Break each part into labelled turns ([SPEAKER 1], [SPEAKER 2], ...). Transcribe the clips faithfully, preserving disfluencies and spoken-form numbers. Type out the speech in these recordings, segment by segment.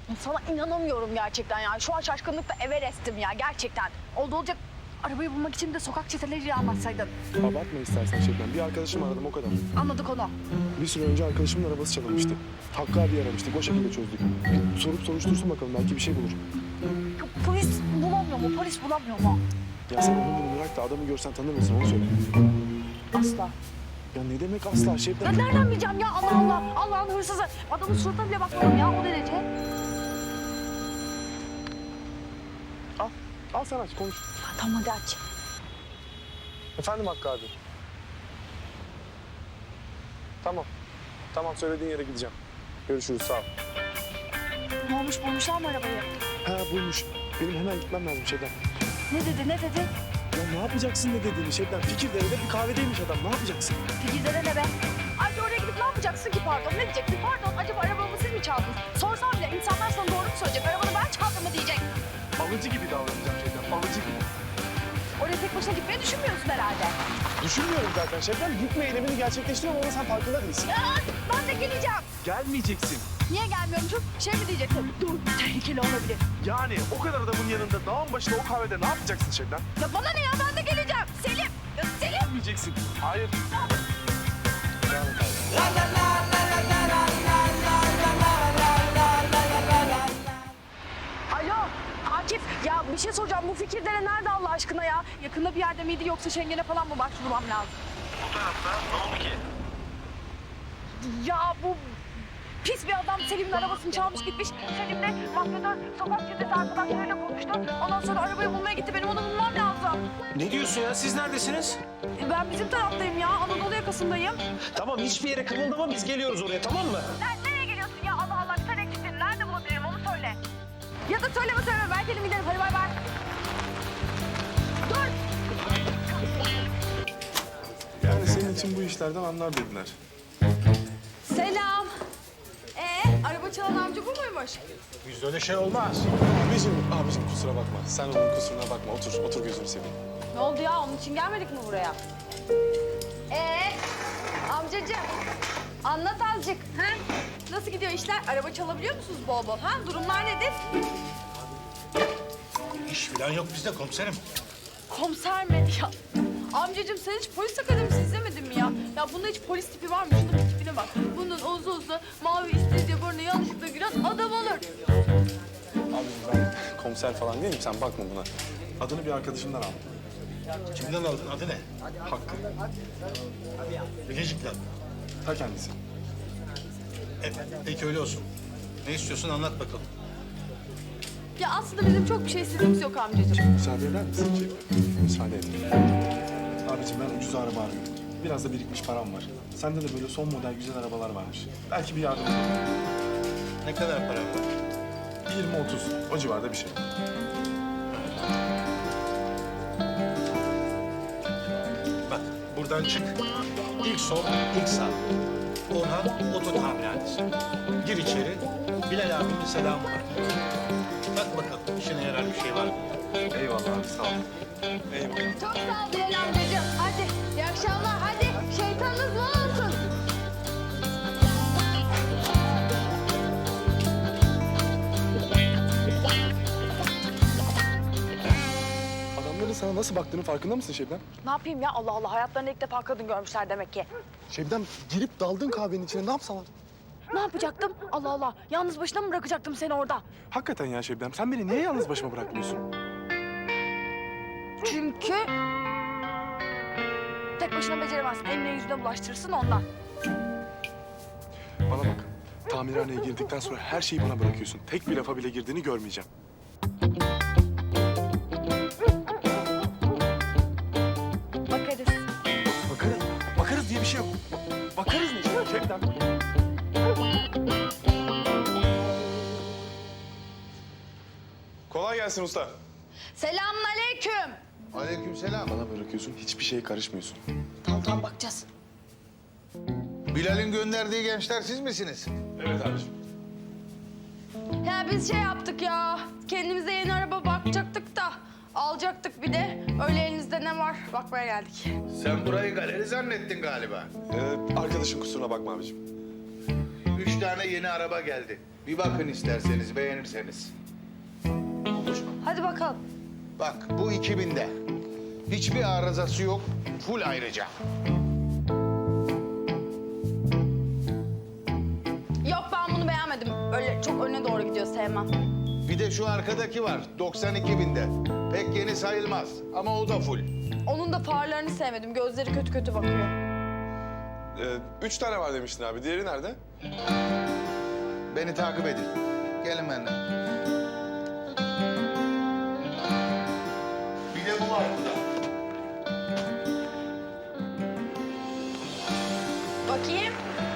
[SPEAKER 1] Sana inanamıyorum gerçekten ya. Şu an şaşkınlıkla Everest'im ya gerçekten. Oldu olacak arabayı bulmak için de sokak çeteleriyle anlatsaydın.
[SPEAKER 2] Abartma istersen Şebnem. Bir arkadaşım aradım o kadar.
[SPEAKER 1] Anladık onu.
[SPEAKER 2] Bir süre önce arkadaşımın arabası çalınmıştı. Hakkı abi aramıştık. O şekilde çözdük. Bir sorup soruştursun bakalım. Belki bir şey bulur.
[SPEAKER 1] Ya, polis bulamıyor mu? Polis bulamıyor mu?
[SPEAKER 2] Ya sen onu bunu bırak da adamı görsen tanır mısın? Onu söyle.
[SPEAKER 1] Asla.
[SPEAKER 2] Ya ne demek asla
[SPEAKER 1] Ya
[SPEAKER 2] Şebnem?
[SPEAKER 1] nereden bileceğim ya? Allah Allah. Allah'ın hırsızı. Adamın suratına bile bakmadım ya o derece.
[SPEAKER 2] Al. Al sen aç konuş.
[SPEAKER 1] Ya, tamam hadi aç.
[SPEAKER 2] Efendim Hakkı abi. Tamam. Tamam söylediğin yere gideceğim. Görüşürüz sağ ol.
[SPEAKER 1] Ne olmuş bulmuşlar mı arabayı?
[SPEAKER 2] Ha buymuş. Benim hemen gitmem lazım Şebnem.
[SPEAKER 1] Ne dedi ne dedi?
[SPEAKER 2] Ya ne yapacaksın ne dediğini Şebnem? Fikirdere'de bir kahvedeymiş adam. Ne yapacaksın?
[SPEAKER 1] Fikirlere ne be? Ayrıca oraya gidip ne yapacaksın ki pardon? Ne diyeceksin? Pardon acaba arabamı siz mi çaldınız? Sorsam bile insanlar sana doğru mu söyleyecek? Arabanı ben çaldım mı diyecek.
[SPEAKER 2] Alıcı gibi davranacağım Şebnem. Alıcı gibi.
[SPEAKER 1] Oraya tek başına gitmeyi düşünmüyorsun herhalde.
[SPEAKER 2] Düşünmüyorum zaten Şebnem. Gitme eylemini gerçekleştiriyorum ama sen farkında değilsin.
[SPEAKER 1] Ya ben de geleceğim.
[SPEAKER 2] Gelmeyeceksin.
[SPEAKER 1] Niye gelmiyormuşum? Şey mi diyeceksin? Dur tehlikeli olabilir.
[SPEAKER 2] Yani o kadar adamın yanında dağın başında o kahvede ne yapacaksın Şebnem?
[SPEAKER 1] Ya bana ne ya ben de geleceğim. Selim. Ya Selim.
[SPEAKER 2] Gelmeyeceksin. Hayır.
[SPEAKER 1] Alo Akif ya bir şey soracağım. Bu Fikirdere nerede Allah aşkına ya? Yakında bir yerde miydi yoksa Şengen'e falan mı başvurmam lazım?
[SPEAKER 3] Bu tarafta ne oldu ki?
[SPEAKER 1] Ya bu pis bir adam Selim'in arabasını çalmış gitmiş. Selim de mafyatör sokak çetesi arkadaşlarıyla buluştu. Ondan sonra arabayı bulmaya gitti. Benim onu bulmam lazım.
[SPEAKER 3] Ne diyorsun ya? Siz neredesiniz?
[SPEAKER 1] E, Ben bizim taraftayım ya. Anadolu yakasındayım.
[SPEAKER 3] Tamam hiçbir yere kımıldama biz geliyoruz oraya tamam mı?
[SPEAKER 1] Sen nereye geliyorsun ya? Allah Allah sen eksiksin. Nerede bulabilirim onu söyle. Ya da söyleme söyleme. Ben kendim giderim. Hadi bay bay. Dur.
[SPEAKER 2] Yani senin için bu işlerden anlar dediler.
[SPEAKER 1] Selam. Ee, araba çalan amca bu muymuş?
[SPEAKER 3] Bizde öyle şey olmaz.
[SPEAKER 2] Abicim, abicim kusura bakma. Sen onun kusuruna bakma. Otur, otur gözünü seveyim.
[SPEAKER 1] Ne oldu ya? Onun için gelmedik mi buraya? Ee, amcacığım. Anlat azıcık. Ha? Nasıl gidiyor işler? Araba çalabiliyor musunuz bol bol? Ha? Durumlar nedir?
[SPEAKER 4] İş falan yok bizde komiserim.
[SPEAKER 1] Komiser mi? Ya, amcacığım sen hiç polis akademisi izlemedin mi ya? Ya bunda hiç polis tipi var mı? Şunun bir tipine bak. Bunun uzun uzun mavi istediği burnu yanlışlıkla giren adam olur.
[SPEAKER 2] Abicim ben komiser falan değilim. Sen bakma buna. Adını bir arkadaşımdan aldım.
[SPEAKER 4] Kimden aldın? Adı ne?
[SPEAKER 2] Hakkı.
[SPEAKER 4] Bilecik'ten.
[SPEAKER 2] Ta kendisi.
[SPEAKER 4] Evet, peki öyle olsun. Ne istiyorsun anlat bakalım.
[SPEAKER 1] Ya aslında bizim çok bir şey istediğimiz yok amcacığım.
[SPEAKER 2] Müsaade eder misin Şebnem? Müsaade et. Abicim ben ucuz araba arıyorum. Biraz da birikmiş param var. Sende de böyle son model güzel arabalar varmış. Belki bir yardım olur.
[SPEAKER 4] Ne kadar para var?
[SPEAKER 2] yirmi otuz. O civarda bir şey.
[SPEAKER 4] Bak buradan çık. İlk sol, ilk sağ. Orhan Oto Tamirhanesi. Gir içeri. Bilal abinin selamı var. Bak bakalım işine yarar bir şey var mı?
[SPEAKER 2] Eyvallah abi sağ ol. Eyvallah.
[SPEAKER 1] Çok sağ ol Bilal amcacığım. Hadi iyi akşamlar. Hadi şeytanınız bol olsun.
[SPEAKER 2] Adamların sana nasıl baktığının farkında mısın Şebnem?
[SPEAKER 1] Ne yapayım ya? Allah Allah. Hayatlarında ilk defa kadın görmüşler demek ki.
[SPEAKER 2] Şebnem girip daldın kahvenin içine ne yapsalar?
[SPEAKER 1] Ne yapacaktım? Allah Allah. Yalnız başına mı bırakacaktım seni orada?
[SPEAKER 2] Hakikaten ya Şebnem sen beni niye yalnız başıma bırakmıyorsun?
[SPEAKER 1] Çünkü... Tek başına beceremezsin. Eline yüzüne bulaştırırsın ondan.
[SPEAKER 2] Bana bak. Tamirhaneye girdikten sonra her şeyi bana bırakıyorsun. Tek bir lafa bile girdiğini görmeyeceğim.
[SPEAKER 1] Bakarız.
[SPEAKER 2] Bakarız. Bakarız diye bir şey yok. Bakarız ne? Şebnem. Kolay gelsin usta.
[SPEAKER 1] Selamun aleyküm.
[SPEAKER 5] Aleykümselam.
[SPEAKER 2] Bana bırakıyorsun, hiçbir şeye karışmıyorsun.
[SPEAKER 1] Tamam tamam bakacağız.
[SPEAKER 5] Bilal'in gönderdiği gençler siz misiniz?
[SPEAKER 2] Evet abiciğim.
[SPEAKER 1] Ya biz şey yaptık ya. Kendimize yeni araba bakacaktık da. Alacaktık bir de. Öyle elinizde ne var bakmaya geldik.
[SPEAKER 5] Sen burayı galeri zannettin galiba.
[SPEAKER 2] Ee, arkadaşın kusuruna bakma abiciğim.
[SPEAKER 5] Üç tane yeni araba geldi. Bir bakın isterseniz, beğenirseniz.
[SPEAKER 1] Hadi bakalım.
[SPEAKER 5] Bak bu iki binde. Hiçbir arızası yok. Full ayrıca.
[SPEAKER 1] Yok ben bunu beğenmedim. Öyle çok öne doğru gidiyor sevmem.
[SPEAKER 5] Bir de şu arkadaki var. doksan iki binde. Pek yeni sayılmaz ama o da full.
[SPEAKER 1] Onun da farlarını sevmedim. Gözleri kötü kötü bakıyor.
[SPEAKER 6] Ee, üç tane var demiştin abi. Diğeri nerede?
[SPEAKER 5] Beni takip edin. Gelin benden. Bir de bu var burada.
[SPEAKER 1] Bakayım.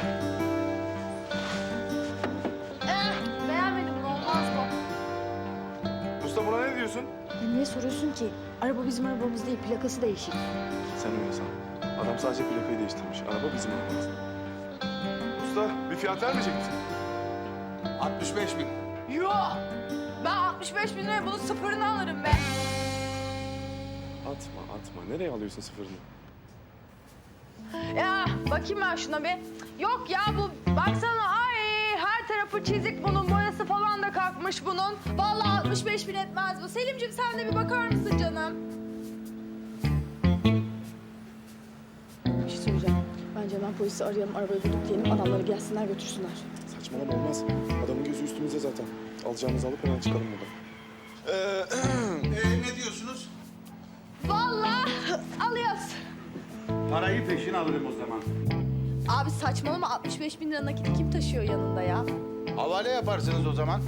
[SPEAKER 1] Eh, beğenmedim. Bu olmaz bu.
[SPEAKER 6] Usta buna ne diyorsun?
[SPEAKER 7] Ya niye soruyorsun ki? Araba bizim arabamız değil, plakası değişik.
[SPEAKER 2] Sen öyle san. Adam sadece plakayı değiştirmiş. Araba bizim arabamız.
[SPEAKER 6] Usta bir fiyat vermeyecek misin?
[SPEAKER 5] altmış beş bin.
[SPEAKER 1] Yok. Ben altmış beş bin liraya bunun sıfırını alırım be.
[SPEAKER 2] Atma atma. Nereye alıyorsun sıfırını?
[SPEAKER 1] Ya bakayım ben şuna bir. Yok ya bu baksana ay her tarafı çizik bunun boyası falan da kalkmış bunun. Vallahi altmış beş bin etmez bu. Selimciğim sen de bir bakar mısın canım?
[SPEAKER 7] Bir şey söyleyeceğim. Bence hemen polisi arayalım, arabayı bulduk diyelim, adamları gelsinler götürsünler.
[SPEAKER 2] Saçmalama olmaz. Adamın gözü üstümüzde zaten. Alacağımızı alıp hemen çıkalım buradan.
[SPEAKER 6] Ee,
[SPEAKER 5] Ee, ne diyorsunuz?
[SPEAKER 1] Vallahi alıyoruz.
[SPEAKER 8] Parayı peşin alırım o zaman.
[SPEAKER 1] Abi saçmalama altmış beş bin lira nakiti kim taşıyor yanında ya?
[SPEAKER 5] Havale yaparsınız o zaman.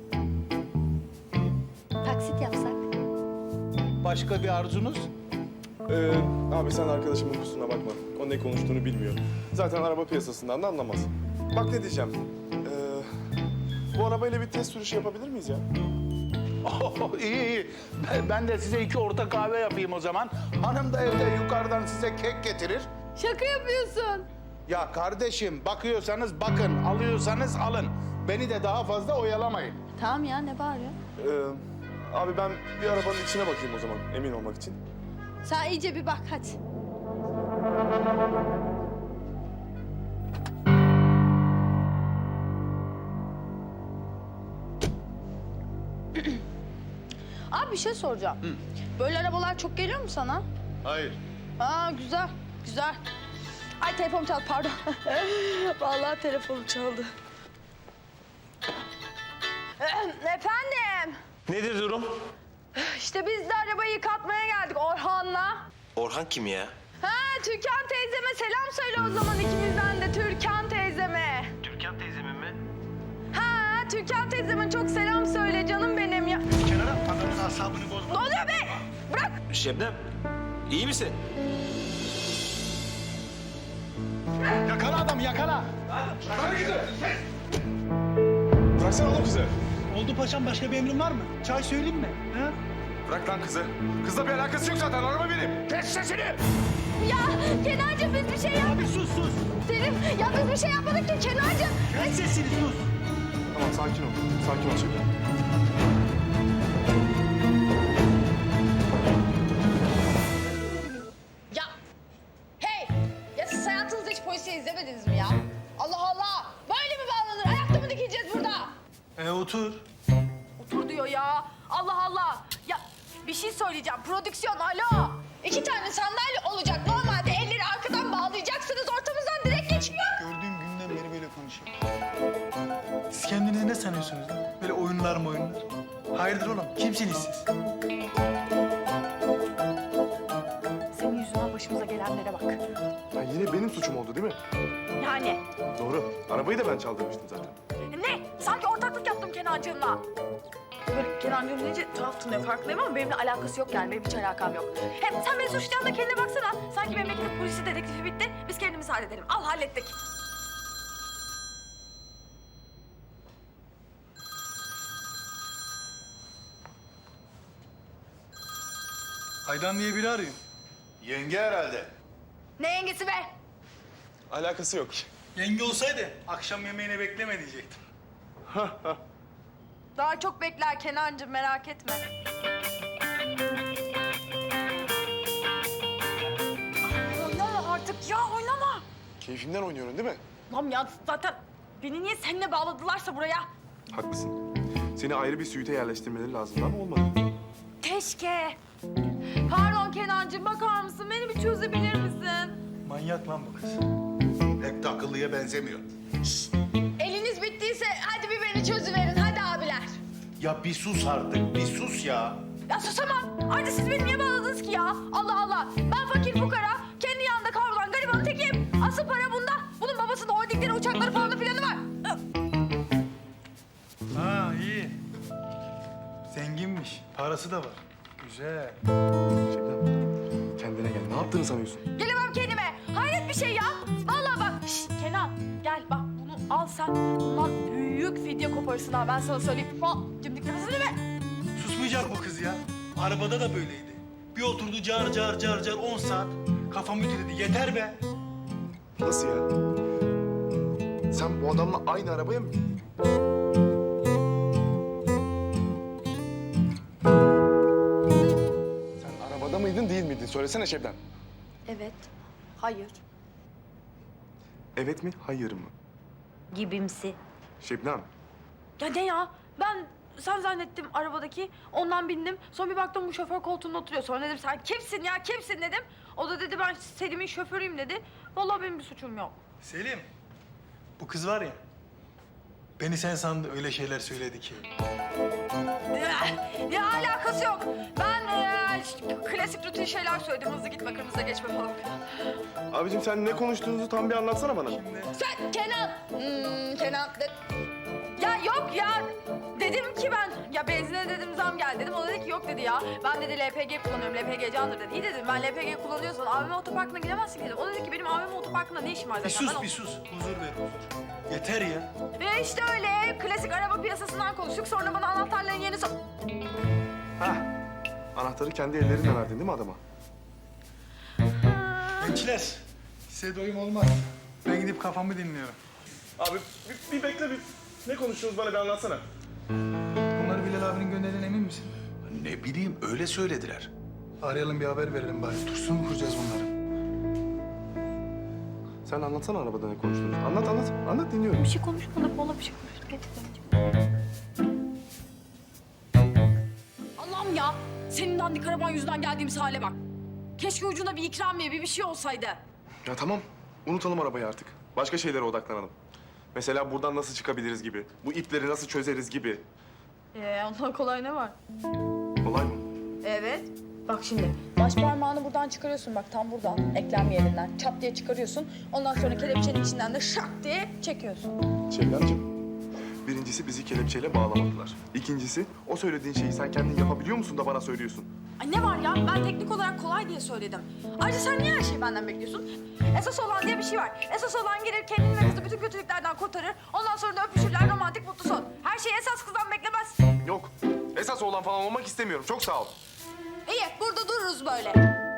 [SPEAKER 1] Taksit yapsak.
[SPEAKER 5] Başka bir arzunuz?
[SPEAKER 2] Ee, abi sen arkadaşımın kusuruna bakma. O ne konuştuğunu bilmiyor. Zaten araba piyasasından da anlamaz. Bak ne diyeceğim. Ee, bu arabayla bir test sürüşü yapabilir miyiz ya?
[SPEAKER 8] Oh, iyi iyi. Ben- Ben de size iki orta kahve yapayım o zaman.
[SPEAKER 5] Hanım da evde yukarıdan size kek getirir.
[SPEAKER 1] Şaka yapıyorsun.
[SPEAKER 5] Ya kardeşim bakıyorsanız bakın, alıyorsanız alın. Beni de daha fazla oyalamayın.
[SPEAKER 7] Tamam ya, ne bağırıyor?
[SPEAKER 2] Ee, abi ben bir arabanın içine bakayım o zaman emin olmak için.
[SPEAKER 1] Sen iyice bir bak hadi. Abi bir şey soracağım. Böyle arabalar çok geliyor mu sana?
[SPEAKER 5] Hayır.
[SPEAKER 1] Aa güzel, güzel. Ay telefonum çaldı pardon. Vallahi telefonum çaldı. Efendim?
[SPEAKER 3] Nedir durum?
[SPEAKER 1] İşte biz de arabayı yıkatmaya geldik Orhan'la.
[SPEAKER 3] Orhan kim ya?
[SPEAKER 1] Ha Türkan teyzeme selam söyle o zaman ikimizden de Türkan teyzeme.
[SPEAKER 3] Türkan teyzemin mi?
[SPEAKER 1] Ha Türkan teyzeme çok selam söyle canım benim ya.
[SPEAKER 8] Kenara paranın asabını bozma.
[SPEAKER 1] Ne oluyor be? Bırak.
[SPEAKER 3] Şebnem, iyi misin?
[SPEAKER 8] Yakala adam yakala.
[SPEAKER 6] bıraksana oğlum kızı.
[SPEAKER 8] Oldu paşam, başka bir emrin var mı? Çay söyleyeyim mi? Ha?
[SPEAKER 6] Bırak lan kızı. Kızla bir alakası yok zaten. Araba benim.
[SPEAKER 8] Kes sesini.
[SPEAKER 1] Ya Kenarcığım biz bir şey
[SPEAKER 8] Abi
[SPEAKER 1] yapmadık.
[SPEAKER 8] sus sus.
[SPEAKER 1] Selim ya biz bir şey yapmadık ki Kenarcığım.
[SPEAKER 8] Kes sesini sus.
[SPEAKER 2] Tamam sakin ol. Sakin ol şimdi.
[SPEAKER 1] Ya hey ya siz hayatınızda hiç polisiye izlemediniz mi ya? Allah Allah böyle mi bağlanır? Ayakta mı dikileceğiz burada?
[SPEAKER 8] E otur.
[SPEAKER 1] Otur diyor ya. Allah Allah. Ya bir şey söyleyeceğim. Prodüksiyon alo. İki tane sandalye olacak. Normalde elleri arkadan bağlayacaksınız. Ortamızdan direkt geçmiyor.
[SPEAKER 8] Gördüğüm günden beri böyle konuşuyor. Siz kendinizi ne sanıyorsunuz lan? Böyle oyunlar mı oyunlar? Hayırdır oğlum? Kimsiniz siz?
[SPEAKER 7] Senin yüzünden başımıza gelenlere bak.
[SPEAKER 2] Ya yine benim suçum oldu değil mi?
[SPEAKER 1] Yani
[SPEAKER 2] Doğru. Arabayı da ben çaldırmıştım zaten.
[SPEAKER 1] ne? Sanki ortaklık yaptım Kenancığımla. Böyle Kenancığım deyince tuhaf tınlıyor farkındayım ama benimle alakası yok yani. Benim hiç alakam yok. Hem sen beni suçlayan da kendine baksana. Sanki memleket polisi dedektifi bitti. Biz kendimiz halledelim. Al hallettik.
[SPEAKER 8] Aydan diye biri arıyor.
[SPEAKER 5] Yenge herhalde.
[SPEAKER 1] Ne yengesi be?
[SPEAKER 6] Alakası yok.
[SPEAKER 8] Yenge olsaydı akşam yemeğine bekleme diyecektim.
[SPEAKER 1] Daha çok bekler Kenancığım merak etme. Oynama artık ya oynama.
[SPEAKER 6] Keyfimden oynuyorum değil mi?
[SPEAKER 1] Tamam ya zaten beni niye seninle bağladılarsa buraya?
[SPEAKER 2] Haklısın. Seni ayrı bir suite yerleştirmeleri lazımdı ama olmadı.
[SPEAKER 1] Keşke. Pardon Kenancığım, bakar mısın? Beni bir çözebilir misin?
[SPEAKER 8] Manyak lan bu kız.
[SPEAKER 5] Pek de akıllıya benzemiyor.
[SPEAKER 1] Eliniz bittiyse hadi bir beni çözüverin. Hadi abiler.
[SPEAKER 5] Ya bir sus artık, bir sus ya.
[SPEAKER 1] Ya susamam. Ayrıca siz beni niye bağladınız ki ya? Allah Allah. Ben fakir fukara, kendi yanında kavrulan garibanın tekiyim. Asıl para bunda. Bunun babasının holdingleri, uçakları falan filanı var.
[SPEAKER 8] Ha iyi. Zenginmiş. Parası da var. Güzel.
[SPEAKER 2] Şebnem, kendine gel. Ne yaptığını sanıyorsun?
[SPEAKER 1] Gelemem kendime. Hayret bir şey ya. Vallahi bak. Şşt, Kenan gel bak bunu al sen. Bundan büyük fidye koparırsın ha. Ben sana söyleyeyim. Ha, cimdik nefesini be.
[SPEAKER 8] Susmayacak bu kız ya. Arabada da böyleydi. Bir oturdu car car car car on saat. Kafam ütüledi. Yeter be.
[SPEAKER 2] Nasıl ya? Sen bu adamla aynı arabaya mı bindin? Sen arabada mıydın değil miydin? Söylesene Şebnem.
[SPEAKER 7] Evet. Hayır.
[SPEAKER 2] Evet mi, hayır mı?
[SPEAKER 9] Gibimsi.
[SPEAKER 2] Şebnem,
[SPEAKER 1] Ya ne ya? Ben sen zannettim arabadaki. Ondan bindim. Sonra bir baktım bu şoför koltuğunda oturuyor. Sonra dedim sen kimsin ya kimsin dedim. O da dedi ben Selim'in şoförüyüm dedi. Vallahi benim bir suçum yok.
[SPEAKER 8] Selim. Bu kız var ya. Beni sen sandı öyle şeyler söyledi ki.
[SPEAKER 1] Ya, ya alakası yok. Ben e, klasik rutin şeyler söyledim. Hızlı gitme, kırmızıya geçme falan.
[SPEAKER 2] abicim sen ne konuştuğunuzu tam bir anlatsana bana.
[SPEAKER 1] Sen Kenan. Hmm, Kenan. De... Ya yok ya. Dedim ki ben, ya benzine dedim zam geldi dedim. O dedi ki yok dedi ya. Ben dedi L P G kullanıyorum, L P G candır dedi. İyi dedim ben L P G kullanıyorsan A V M otoparkına gidemezsin dedim. O dedi ki benim A V M otoparkında ne işim var
[SPEAKER 8] Bir
[SPEAKER 1] zaten.
[SPEAKER 8] sus
[SPEAKER 1] Ben o-
[SPEAKER 8] bir sus. Huzur ver huzur. Yeter ya.
[SPEAKER 1] Ve işte öyle klasik araba piyasasından konuştuk. Sonra bana anahtarların yerini sor...
[SPEAKER 2] Hah, anahtarı kendi ellerinle verdin değil mi adama?
[SPEAKER 8] Gençler. Size doyum olmaz. Ben gidip kafamı dinliyorum.
[SPEAKER 2] Abi bir, bir bekle bir. Ne konuştunuz bana bir anlatsana.
[SPEAKER 8] Bunları Bilal abinin gönderdiğine emin misin?
[SPEAKER 5] Ne bileyim, öyle söylediler.
[SPEAKER 8] Arayalım bir haber verelim bari. Tursun mu kuracağız bunları?
[SPEAKER 2] Sen anlatsana arabada ne konuştunuz. Anlat anlat. Anlat dinliyorum.
[SPEAKER 1] Bir şey konuşmadık. Valla bir şey konuştuk. Gerçekten. Allah'ım ya. Senin dandik araban yüzünden geldiğimiz hale bak. Keşke ucunda bir ikramiye, bir bir şey olsaydı.
[SPEAKER 2] Ya tamam. Unutalım arabayı artık. Başka şeylere odaklanalım. Mesela buradan nasıl çıkabiliriz gibi. Bu ipleri nasıl çözeriz gibi.
[SPEAKER 1] Ee, ondan kolay ne var?
[SPEAKER 2] Kolay mı?
[SPEAKER 1] Evet. Bak şimdi baş parmağını buradan çıkarıyorsun bak tam buradan eklem yerinden çat diye çıkarıyorsun. Ondan sonra kelepçenin içinden de şak diye çekiyorsun.
[SPEAKER 2] Şebnemciğim. Birincisi bizi kelepçeyle bağlamadılar. İkincisi o söylediğin şeyi sen kendin yapabiliyor musun da bana söylüyorsun?
[SPEAKER 1] Ay ne var ya ben teknik olarak kolay diye söyledim. Ayrıca sen niye her şeyi benden bekliyorsun? Esas olan diye bir şey var. Esas olan gelir kendini ve kızı bütün kötülüklerden kurtarır. Ondan sonra da öpüşürler romantik mutlu son. Her şeyi esas kızdan beklemez.
[SPEAKER 2] Yok. Esas oğlan falan olmak istemiyorum. Çok sağ ol.
[SPEAKER 1] İyi burada dururuz böyle.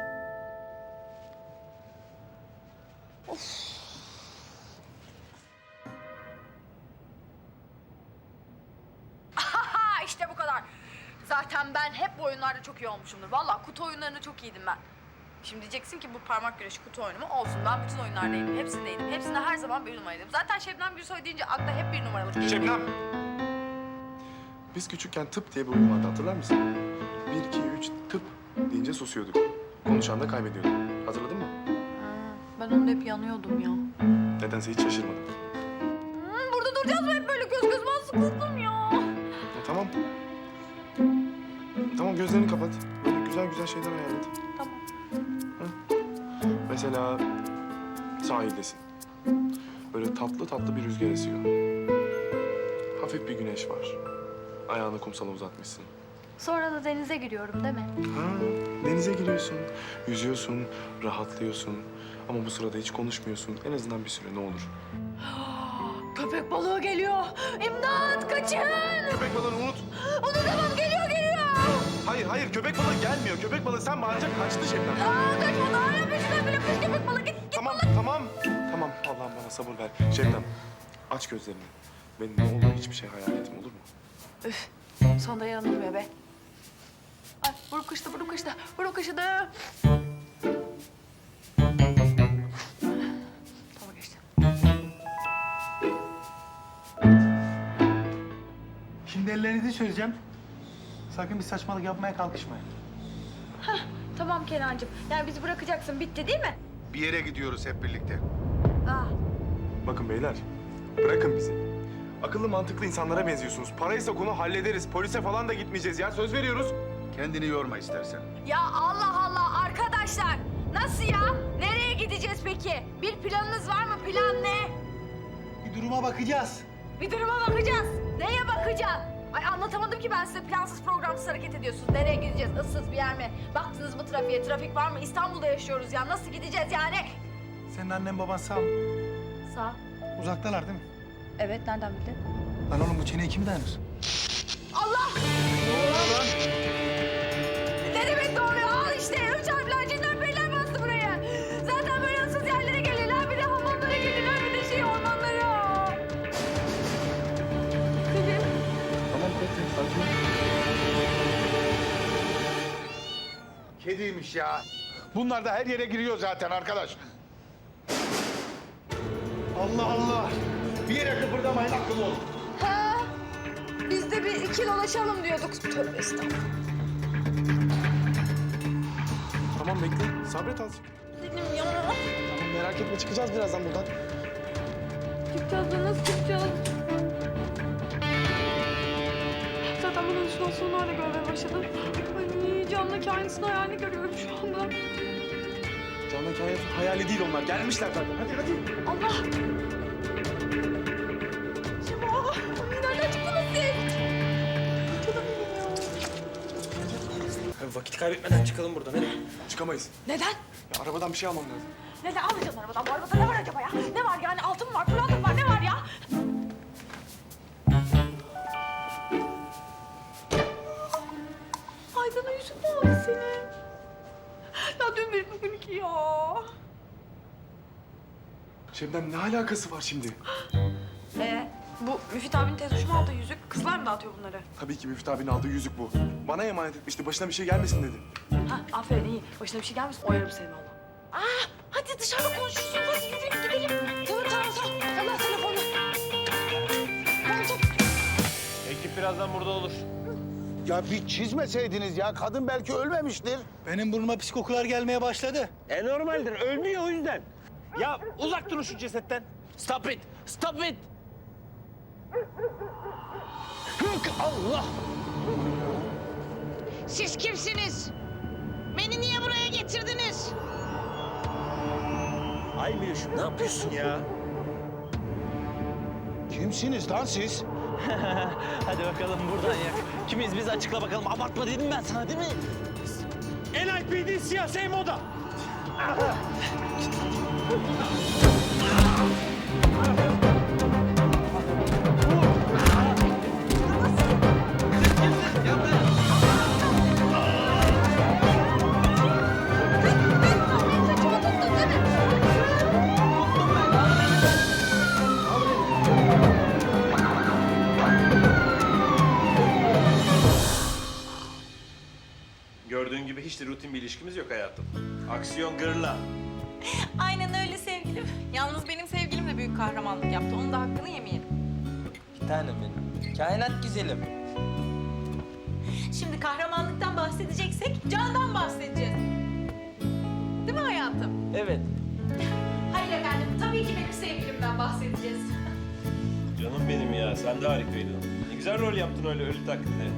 [SPEAKER 1] Aha işte bu kadar. Zaten ben hep bu oyunlarda çok iyi olmuşumdur. Vallahi kutu oyunlarında çok iyiydim ben. Şimdi diyeceksin ki bu parmak güreşi kutu oyunu mu? Olsun ben bütün oyunlardaydım. Hepsindeydim. Hepsinde her zaman bir numaraydım. Zaten Şebnem Gürsoy deyince akla hep bir numaralık geliyor.
[SPEAKER 2] Şebnem. Biz küçükken tıp diye bir oyun vardı hatırlar mısın? Bir, iki, üç tıp deyince susuyorduk. Konuşan da kaybediyorduk. Hatırladın mı?
[SPEAKER 1] Ben onda hep yanıyordum ya.
[SPEAKER 2] Nedense hiç şaşırmadım.
[SPEAKER 1] Hmm, burada duracağız mı hep böyle göz göz ben sıkıldım ya.
[SPEAKER 2] Ya, tamam. Tamam gözlerini kapat. Böyle güzel güzel şeyler hayal et.
[SPEAKER 1] Tamam.
[SPEAKER 2] Mesela sahildesin. Böyle tatlı tatlı bir rüzgar esiyor. Hafif bir güneş var. Ayağını kumsala uzatmışsın.
[SPEAKER 1] Sonra da denize giriyorum değil mi?
[SPEAKER 2] Ha, denize giriyorsun, yüzüyorsun, rahatlıyorsun. Ama bu sırada hiç konuşmuyorsun. En azından bir süre ne olur.
[SPEAKER 1] Köpek balığı geliyor. İmdat kaçın.
[SPEAKER 2] Köpek balığını unut.
[SPEAKER 1] Onu tamam geliyor geliyor.
[SPEAKER 2] Hayır hayır köpek balığı gelmiyor. Köpek balığı sen bağırınca kaçtı Şebnem.
[SPEAKER 1] Aa kaçmadı hala peşinden bile kız köpek balığı git git.
[SPEAKER 2] Tamam tamam. Tamam Allah'ım bana sabır ver. Şebnem aç gözlerini. Benim ne olur hiçbir şey hayal etme olur mu?
[SPEAKER 1] Üf son da yanılmıyor be. Ay buruk kaşıdı buruk kaşıdı buruk kaşıdı. Tamam geçti.
[SPEAKER 8] Şimdi ellerinizi çözeceğim. Sakın bir saçmalık yapmaya kalkışmayın.
[SPEAKER 1] Tamam Kenancığım. Yani bizi bırakacaksın. Bitti değil mi?
[SPEAKER 5] Bir yere gidiyoruz hep birlikte.
[SPEAKER 1] Ah.
[SPEAKER 2] Bakın beyler, bırakın bizi. Akıllı mantıklı insanlara benziyorsunuz. Paraysa konu hallederiz. Polise falan da gitmeyeceğiz ya. Söz veriyoruz.
[SPEAKER 5] Kendini yorma istersen.
[SPEAKER 1] Ya Allah Allah arkadaşlar. Nasıl ya? Nereye gideceğiz peki? Bir planınız var mı? Plan ne?
[SPEAKER 8] Bir duruma bakacağız.
[SPEAKER 1] Bir duruma bakacağız. Neye bakacağız? Ay anlatamadım ki ben size. Plansız programsız hareket ediyorsunuz. Nereye gideceğiz? Issız bir yer mi? Baktınız mı trafiğe? Trafik var mı? İstanbul'da yaşıyoruz ya. Nasıl gideceğiz yani?
[SPEAKER 8] Senin annen baban sağ mı?
[SPEAKER 1] Sağ.
[SPEAKER 8] Uzaktalar değil mi?
[SPEAKER 1] Evet, nereden bildin?
[SPEAKER 8] Lan oğlum bu çeneye kim dayanır?
[SPEAKER 1] Allah! Ne demek doğru? Al işte. Üç harfler cinler periler bastı buraya. Zaten böyle ıssız yerlere gelirler. Bir de hamamlara gelirler. Bir de şey ormanlara. Selim.
[SPEAKER 2] Tamam peki, sakin.
[SPEAKER 5] Kediymiş ya. Bunlar da her yere giriyor zaten arkadaş. Allah Allah. Bir yere kıpırdamayın, akıllı olun.
[SPEAKER 1] Ha? Biz de bir iki dolaşalım diyorduk. Tövbe estağfurullah.
[SPEAKER 2] Tamam bekle, sabret azıcık.
[SPEAKER 1] Selim ya.
[SPEAKER 2] Tamam merak etme, çıkacağız birazdan buradan.
[SPEAKER 7] Çıkacağız da nasıl çıkacağız? Zaten ben halüsinasyonlarla görmeye başladım. Ay camdaki aynısını hayalini görüyorum şu anda.
[SPEAKER 2] Canan hikaye hayali değil onlar. Gelmişler zaten. Hadi hadi.
[SPEAKER 1] Allah! Şema! Nereden çıktınız siz?
[SPEAKER 3] Abi vakit kaybetmeden çıkalım buradan hadi.
[SPEAKER 2] Çıkamayız.
[SPEAKER 1] Neden?
[SPEAKER 2] Ya, arabadan bir şey almam lazım.
[SPEAKER 1] Neden alacaksın arabadan? Bu arabada ne var acaba ya? Ne var yani? Altın mı var? Pırlanta mı var? Ne var ya? Aydan'a yüzük mü aldı senin? Ya dün bir bugün iki ya.
[SPEAKER 2] Şebnem ne alakası var şimdi?
[SPEAKER 1] Ee, bu Müfit abinin tez hoşuma aldığı yüzük. Kızlar mı dağıtıyor bunları?
[SPEAKER 2] Tabii ki Müftü abinin aldığı yüzük bu. Bana emanet etmişti. Başına bir şey gelmesin dedi.
[SPEAKER 1] Ha, aferin iyi. Başına bir şey gelmesin. Oyarım seni valla. Aa, hadi dışarıda konuşuruz. Hadi yürüyün gidelim. Tamam tamam tamam. Allah telefonu. Tamam tamam.
[SPEAKER 3] Ekip birazdan burada olur.
[SPEAKER 5] Ya bir çizmeseydiniz ya. Kadın belki ölmemiştir.
[SPEAKER 8] Benim burnuma pis kokular gelmeye başladı.
[SPEAKER 3] E normaldir. Ölmüyor o yüzden. Ya uzak durun şu cesetten. Stop it. Stop it. Hık Allah.
[SPEAKER 9] Siz kimsiniz? Beni niye buraya getirdiniz?
[SPEAKER 3] Ay Miloş'um ne yapıyorsun ya?
[SPEAKER 5] Kimsiniz lan siz?
[SPEAKER 3] Hadi bakalım buradan yak. Kimiz biz açıkla bakalım. Abartma dedim ben sana değil mi? N I P D siyasi moda. Gördüğün gibi hiç de rutin bir ilişkimiz yok hayatım. Aksiyon gırla.
[SPEAKER 10] Aynen öyle sevgilim. Yalnız benim sevgilim de büyük kahramanlık yaptı. Onun da hakkını yemeyelim.
[SPEAKER 11] Bir tanem benim. Kainat güzelim.
[SPEAKER 10] Şimdi kahramanlıktan bahsedeceksek candan bahsedeceğiz. Değil mi hayatım?
[SPEAKER 11] Evet.
[SPEAKER 10] Hayır efendim. Tabii ki benim sevgilimden bahsedeceğiz.
[SPEAKER 3] Canım benim ya, sen de harikaydın. Ne güzel rol yaptın öyle ölü taklidi.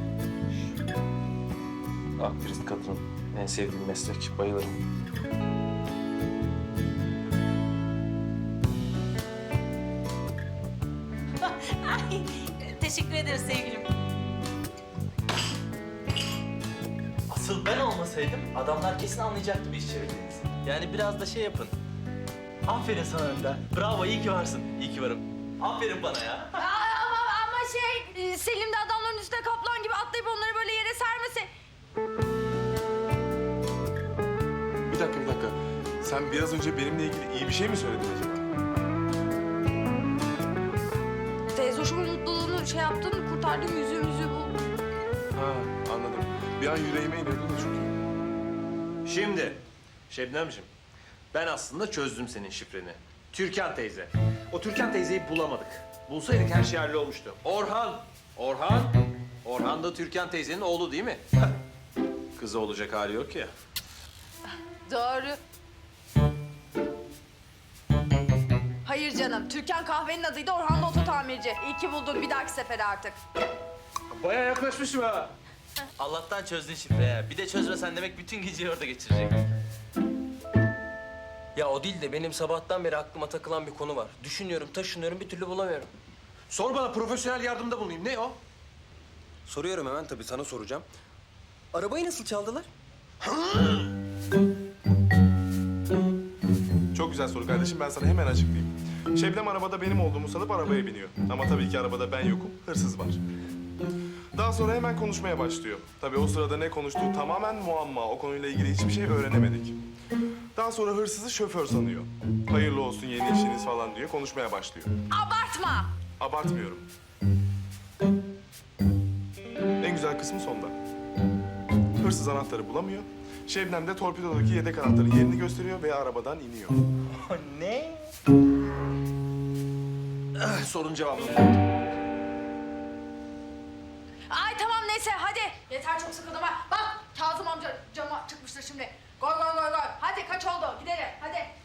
[SPEAKER 3] Aktrist kadın, en sevdiğim meslek, bayılırım.
[SPEAKER 10] Ay, teşekkür ederiz sevgilim.
[SPEAKER 11] Asıl ben olmasaydım adamlar kesin anlayacaktı bir iş çevirdiğinizi. Yani biraz da şey yapın. Aferin sana Önder. Bravo, iyi ki varsın. İyi ki varım. Aferin bana ya.
[SPEAKER 1] Aa, ama, ama şey, e, Selim de adamların üstüne kaplan gibi atlayıp onları böyle yere sermese.
[SPEAKER 2] Bir dakika bir dakika. Sen biraz önce benimle ilgili iyi bir şey mi söyledin acaba?
[SPEAKER 1] Teyze hoşumun mutluluğunu şey yaptın, kurtardın, yüzüğü yüzüğü buldum.
[SPEAKER 2] Ha anladım. Bir an yüreğime iniyordu da çünkü.
[SPEAKER 3] Şimdi Şebnemciğim, ben aslında çözdüm senin şifreni. Türkan teyze. O Türkan teyzeyi bulamadık. Bulsaydık her şey hallolmuştu. Orhan, Orhan
[SPEAKER 12] Orhan da Türkan teyzenin oğlu değil mi? Kızı olacak hali yok ya.
[SPEAKER 1] Doğru. Hayır canım. Türkan kahvenin adıydı, Orhan da oto tamirci. İyi ki buldun. Bir dahaki sefere artık.
[SPEAKER 12] Bayağı yaklaşmışım ha.
[SPEAKER 11] Allah'tan çözdün şifre ya. Bir de çözmesen demek bütün geceyi orada geçirecektik.
[SPEAKER 13] Ya o değil de benim sabahtan beri aklıma takılan bir konu var. Düşünüyorum, taşınıyorum, bir türlü bulamıyorum.
[SPEAKER 12] Sor bana, profesyonel yardımda bulunayım. Ne o?
[SPEAKER 13] Soruyorum hemen tabii, sana soracağım. Arabayı nasıl çaldılar?
[SPEAKER 2] Çok güzel soru kardeşim. Ben sana hemen açıklayayım. Şebnem arabada benim olduğumu sanıp arabaya biniyor. Ama tabii ki arabada ben yokum, hırsız var. Daha sonra hemen konuşmaya başlıyor. Tabii o sırada ne konuştuğu tamamen muamma. O konuyla ilgili hiçbir şey öğrenemedik. Daha sonra hırsızı şoför sanıyor. Hayırlı olsun yeni işiniz falan diyor. Konuşmaya başlıyor.
[SPEAKER 1] Abartma.
[SPEAKER 2] Abartmıyorum. En güzel kısmı sonda. Hırsız anahtarı bulamıyor. Şebnem de torpidodaki yedek anahtarın yerini gösteriyor ve arabadan iniyor.
[SPEAKER 11] Ne?
[SPEAKER 12] Sorun cevabı.
[SPEAKER 1] Ay tamam neyse hadi. Yeter çok sıkıldım ha. Bak Kazım amca cama çıkmıştır şimdi. Goy goy goy goy. Hadi kaç oldu gidelim hadi.